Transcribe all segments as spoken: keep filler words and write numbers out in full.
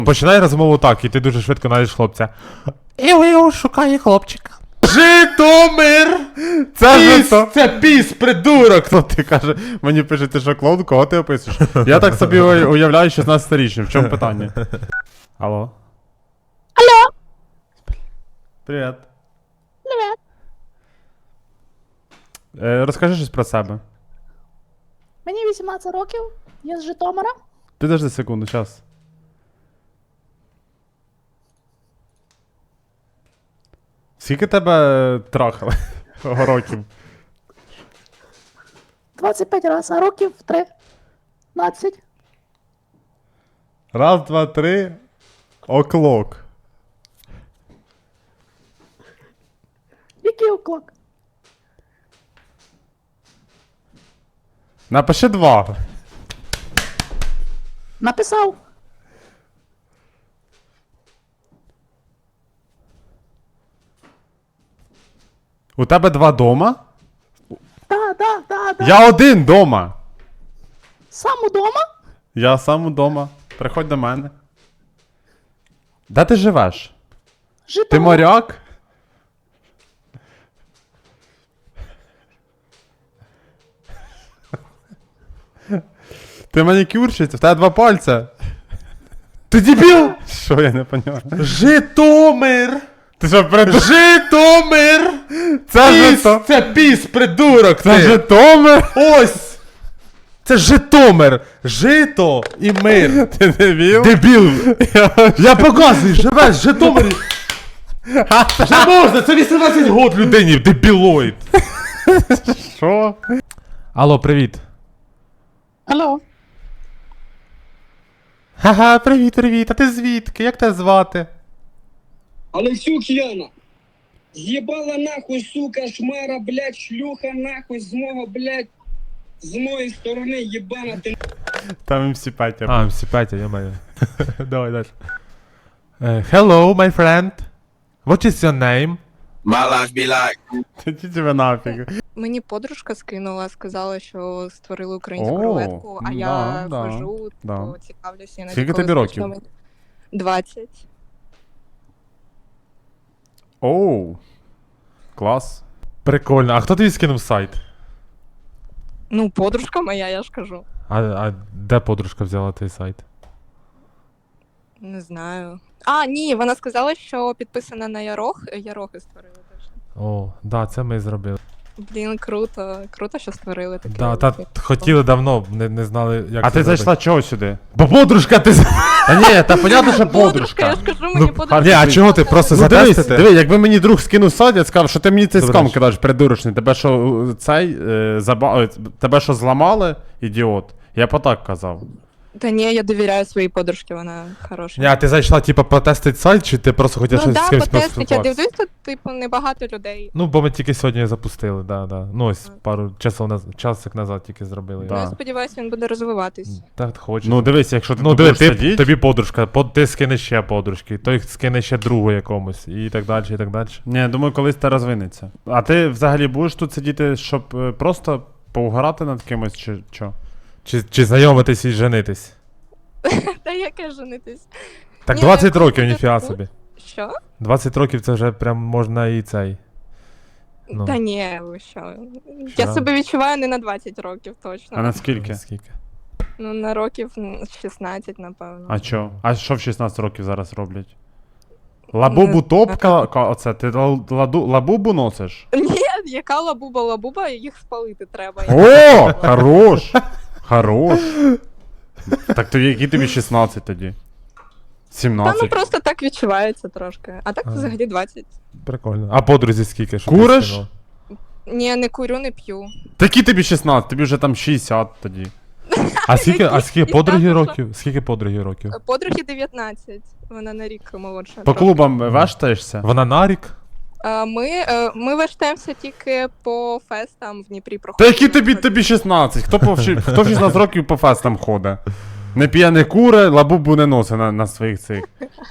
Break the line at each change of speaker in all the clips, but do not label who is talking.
Починай розмову так, і ти дуже швидко знайдеш хлопця. Іу-іу, шукає хлопчика.
Житомир!
Це
Піс!
Жито...
Це піс, придурок!
Хто ти каже, мені пише, ти що, клоун, кого ти описуєш? Я так собі уя- уявляю шістнадцятирічним, в чому питання? Алло?
Алло.
Привіт.
Привет.
Е, розкажи щось про себе.
Мені вісімнадцять років, я з Житомира.
Підожди секунду, час. Скільки тебе трахали років?
двадцять п'ять разів, а років тринадцять.
Раз, два, три. Оклок.
Який уклок?
Напиши два.
Написав.
У тебе два дома?
Да, да, да, да.
Я один дома.
Сам удома?
Я сам удома. Приходь до мене. Де ти живеш?
Житомир.
Ти моряк? Ти манікюрщиця? В тебе два пальця.
Ти дебіл?
Що я не поняв?
Житомир!
Ти що, придурок?
Житомир!
Це
Піс!
Жито...
Це піс, придурок!
Це
ти.
Житомир?
Ось! Це Житомир! Жито і мир!
Ти дебіл?
Дебіл! Я показую, живеш в Житомирі! Вже можна, це вісімнадцять год людині, дебілоїд!
Що? Алло, привіт.
Алло.
Ха-ха, привіт, привіт. А ти звідки? Як тебе звати?
Алексюк Яна. Ебала нахуй, сука, шмара, блядь, шлюха нахуй з мого, блядь, з моєї сторони, єбана ти.
Там ем сі Петя.
А, ем сі Петя, я маю.
Давай далі. Uh, hello, my friend. What is your name?
My life be like.
Ти тебе нафіг.
Мені подружка скинула, сказала, що створили українську
О,
рулетку, а
да,
я
да,
хожу,
да.
то цікавлюся. іноді,
Скільки
коли
тобі
зручно
років?
мені. двадцять.
Оу. Клас. Прикольно. А хто тобі скинув сайт?
Ну, подружка моя, я ж кажу.
А, а де подружка взяла той сайт?
Не знаю. А, ні, вона сказала, що підписана на Ярох. Ярохи створили теж.
О, да, це ми зробили.
Блін, круто. Круто, що створили таке.
Да, та хотіли давно, не, не знали, як
А
це
ти
зробити.
зайшла чого сюди?
Бо подружка ти...
Та ні, та понятно, що
Подружка, я
подружка.
ж кажу, мені подружка.
Ні, а чого ти просто
Ну дивись,
затестити?
диви, якби мені друг скинув сайт, я сказав, що ти мені цей
Добре.
скам кидаєш, придурочний. Тебе що, е, цей, е, заба... е, тебе що зламали, ідіот? Я по так казав.
Та ні, я довіряю своїй подружці, вона хороша.
Ні, а ти зайшла, типа, потестити сайт, чи ти просто хотіла
Ну
щось з
да,
кимось
потестить, я
поспілкуватися?
дивлюсь, тут, типу, небагато людей.
Ну, бо ми тільки сьогодні запустили, да, да. Ну, ось пару часов наз... часик назад тільки зробили.
Да.
Ну, я сподіваюся, він буде розвиватись.
Так, хочеш.
Ну дивись, якщо ти
Ну,
тут
диви,
будеш
ти,
сидіть,
тобі подружка, по, ти скинеш ще подружки, той скине ще другу якомусь, і так далі, і так далі.
Ні, думаю, колись це розвинеться. А ти взагалі будеш тут сидіти, щоб е, просто поугорати над кимось, чи що?
Чи, чи знайомитись і женитись?
Та яке женитись?
Так
Ні,
двадцять
коли
років,
буде
ніфіга
тут-
собі.
Що?
двадцять років це вже прям можна і цей. Ну.
Та ні, ви що?
Що?
Я себе відчуваю не на двадцять років точно.
А наскільки?
Скільки?
Ну, на років м, шістнадцять, напевно.
А що? А що в шістнадцять років зараз роблять? Лабубу
Не
топка, ка- оце, ти ла- ладу, лабубу носиш?
Ні, яка лабуба лабуба, їх спалити треба.
О, хорош! Хорош! Так то які тобі шістнадцять тоді?
Та ну
сімнадцять.
просто так відчувається трошки. А так
Ага.
взагалі двадцять.
Прикольно. А подрузі скільки? Що ти
Куриш?
скинула?
Ні, не курю, не п'ю.
Такі тобі шістнадцять, тобі вже там шістдесят тоді.
А скільки, а скільки
Які?
подруги
Я
років? Скільки подруги років?
Подруги дев'ятнадцять. Вона на рік молодша.
По
трохи.
клубам вештаєшся?
Вона на рік?
А, Ми, е, ми вештаємося тільки по фестам в Дніпрі
Та
проходимо.
які тобі тобі шістнадцять? Хто, по, вши- хто в шістнадцять років по фестам ходить? Не п'є, не куре, лабубу не носить на, на своїх цих.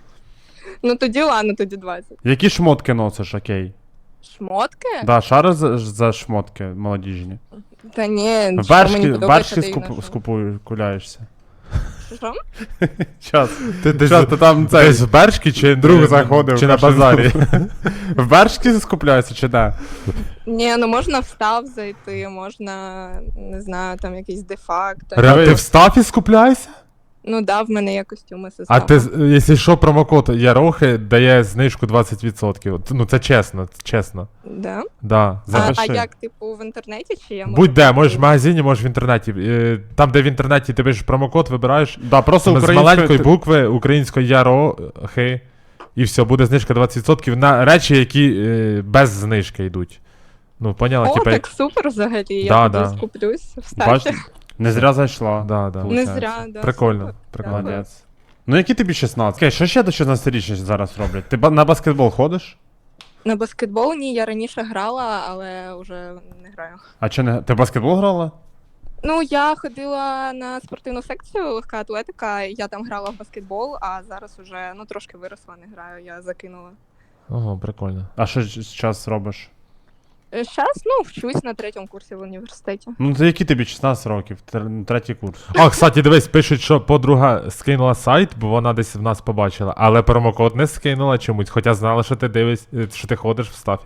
Ну тоді ладно, тоді двадцять.
Які шмотки носиш, окей?
Шмотки?
Да, шари за, за шмотки молодіжні.
Та ні, що мені
Вершки,
подобається,
вершки
та й
скуп,
ношу.
скупуєш, куляєшся.
Що?
Час.
Ти десь
Час, то там цей
десь в Бершки чи
друг заходив.
Чи на
каже,
базарі?
В Бершки скупляється чи де?
Ні, ну можна в став зайти, можна, не знаю, там якийсь дефакт.
Ре- Ти в стафі скупляєшся?
Ну да, в мене є костюми
А
сестра.
ти, з- якщо що, промокод Ярохи дає знижку двадцять відсотків. Ну це чесно, це чесно.
Да?
Да.
А,
Запиши.
а як, типу, в інтернеті чи я можу?
Будь-де,
прийти?
можеш в магазині, можеш в інтернеті. Е, Там, де в інтернеті ти пишеш промокод, вибираєш
Да, просто
з
українською...
маленької букви української Ярохи, і все, буде знижка двадцять відсотків на речі, які е, без знижки йдуть. Ну, поняла,
О,
типа.
так супер взагалі, я
Да,
тоді
да.
скуплюсь в
Бач,
статі.
не зря зайшла.
Да, да.
Не
Получається.
зря, да.
Прикольно,
супер.
прикольно.
Дякую.
Молодець. Ну які тобі шістнадцять? Окей, що ще до шістнадцятирічних зараз роблять? Ти ба- на баскетбол ходиш?
На баскетбол ні, я раніше грала, але вже не граю.
А чи не... Ти в баскетбол грала?
Ну, я ходила на спортивну секцію, легка атлетика, і я там грала в баскетбол, а зараз уже, ну, трошки виросла, не граю, я закинула.
Ого, прикольно.
А що зараз робиш?
Зараз, ну, вчусь на третьому курсі в університеті.
Ну, то які тобі шістнадцять років? Тр- Третій курс.
А, кстати, дивись, пишуть, що подруга скинула сайт, бо вона десь в нас побачила, але промокод не скинула чомусь, хоча знала, що ти дивись, е, що ти ходиш в стафі.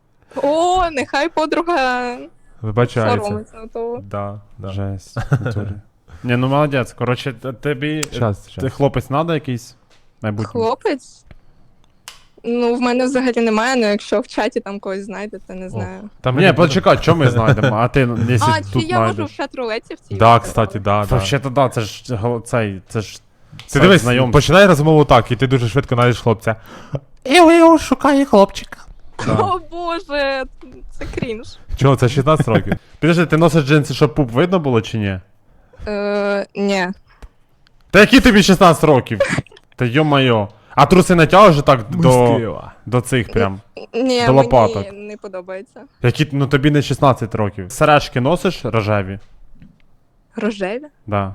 О, нехай подруга
Вибачається.
соромиться, то...
Да, да.
Жесть. в натурі. Ні, ну молодець. Коротше, т- тобі...
Щас,
Ти
щас.
хлопець треба якийсь? Майбутній.
Хлопець? Ну, в мене взагалі немає, але якщо в чаті там когось знайдете, не знаю.
Там
Ні, почекай, що ми знайдемо? А ти, якщо
А, чи
тут
я можу в
знайдеш?
чат рулеті в цій?
Да, кстати, да, да.
Взагалі-то да, це ж гол- цей, це ж...
Ти
сайт
дивись,
знайомств.
починай розмову так, і ти дуже швидко знайдеш хлопця. Іу-іу, шукає хлопчика.
Да.
О боже, це крінж.
Чого, це шістнадцять років?
Підожди, ти носиш джинси, щоб пуп видно було чи ні?
Е, ні.
Та які тобі шістнадцять років? Та йо-майо. А труси натягуєш так до, до цих прям?
Ні,
До лопаток.
мені не подобається.
Які, ну тобі не шістнадцять років. Сережки носиш рожеві?
Рожеві?
Да.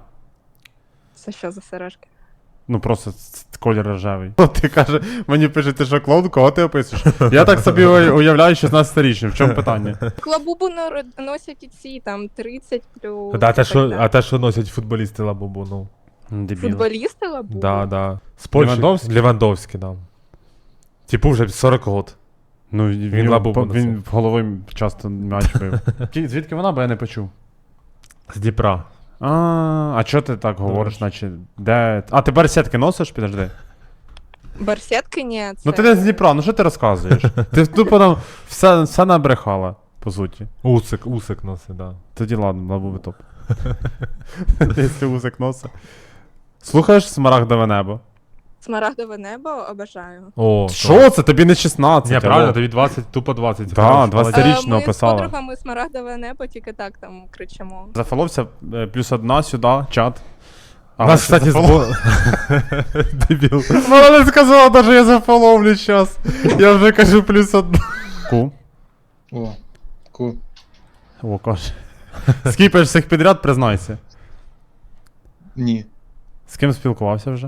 Це що за сережки?
Ну просто ц- ц- колір рожевий. Ти каже, мені пише, ти що клоун, кого ти описуєш? Я так собі уя- уявляю шістнадцятирічним. В чому питання?
Клабубу нор- носять і ці, там, тридцять плюс.
Да, те,
так
що,
далі.
а те, що носять футболісти лабубу, ну.
Дебіл.
Футболісти лабубу?
Да, да. З Польщі.
Левандовський?
Левандовський, да. Типу вже сорок год.
Ну,
Він
він,
лабубу
по-
носив.
він головою часто м'яч бив. Ті- Звідки вона, бо я не почув.
З Дніпра.
А, а чого ти так говориш, наче. Де. А, ти барсетки носиш, підожди.
Барсетки ні, це...
Ну ти не з Дніпра, ну що ти розказуєш? Ти тупо там все, все набрехала, по суті.
Усик, усик носить, да.
Тоді ладно, лабубий топ. Якщо усик носа. Слухаєш смарагдове небо?
Смарагдове небо обожаю.
О,
Що це? Тобі не шістнадцять.
Ні,
алло.
правильно, тобі двадцять, тупо двадцять.
Да,
Хорош,
двадцять.
молодець.
Річно
Е, ми
описала.
з подругами смарагдове небо тільки так там кричимо.
Зафоловся е, плюс одна сюди, чат.
У нас, кстати, збор... Дебіл.
Вона не сказала, навіть я зафоловлю зараз. Я вже кажу плюс одна. Ку.
О, ку.
О, каже. Скіпаєш всіх підряд, признайся.
Ні.
З ким спілкувався вже?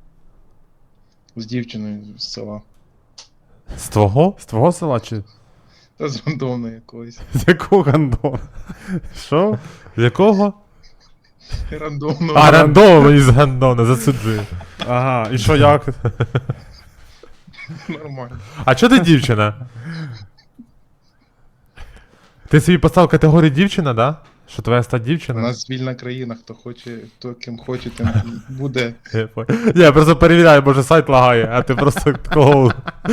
З дівчиною з села.
З твого?
З твого села чи
Та з рандомної якоїсь.
з якого гандона? Що?
Якого?
Рандомного.
А, рандомно із гандона, засуджую.
Ага, і що як?
Нормально.
А чо ти дівчина? Ти собі поставив категорію дівчина, да? Що твоя стать
У
дівчина?
нас вільна країна, хто хоче, хто ким хоче, тим буде.
Я понял. Ні, я просто перевіряю, може сайт лагає, а ти просто такого.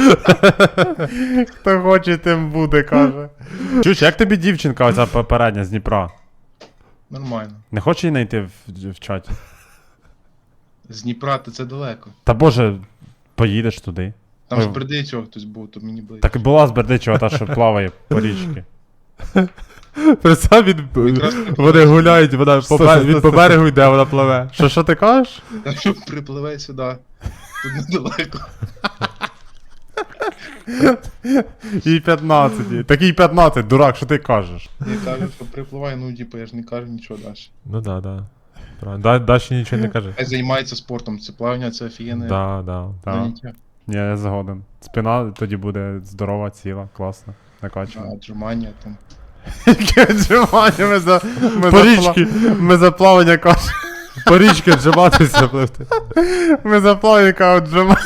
Хто хоче, тим буде, каже. Чуєш, як тобі дівчинка оця попередня з Дніпра?
Нормально.
Не хоче її знайти в, в чаті?
З Дніпра то це далеко.
Та боже, поїдеш туди.
Там
Ой.
з Бердичева хтось був, то мені близько.
Так і була з Бердичева та, що плаває по річці.
Представ, він...
Якраз
Вони гуляють, вона по
Сто-
бе-
сто-
він по берегу йде, вона пливе.
Що, що ти кажеш?
Та що припливе сюди. Тут недалеко.
Їй п'ятнадцять. Такий п'ятнадцять, дурак, що ти кажеш?
Я кажу, що припливає, ну типу, я ж не кажу нічого далі.
Ну да, да. Правильно. Да, Даші нічого не каже.
Хай займається спортом, це плавання, це офігенне
Да, да.
Так.
заняття.
Ні, я згоден. Спина тоді буде здорова, ціла, класна, накачана.
А, Отжимання там.
Яке віджимання ми за... Ми
По
за
річці.
пла- Ми за плавання кажемо.
По річки джиматися, пливти.
Ми за плавіка отжимаємо.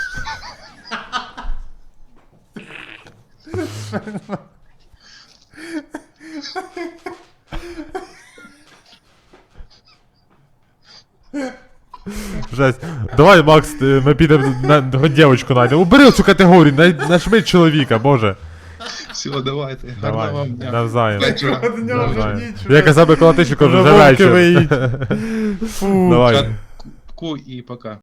Жесть. Давай, Макс, ти- ми підемо на хоч дівчинку знайдемо. Убери цю категорію, най- нажми чоловіка, боже.
Все, давайте.
Давай,
Гарного вам дня.
навзаєм.
Вечора.
Навзаєм. Я казав би колотичку, вже
Вже вовки
вечір.
виїть. Фу.
Давай.
Ку і пока.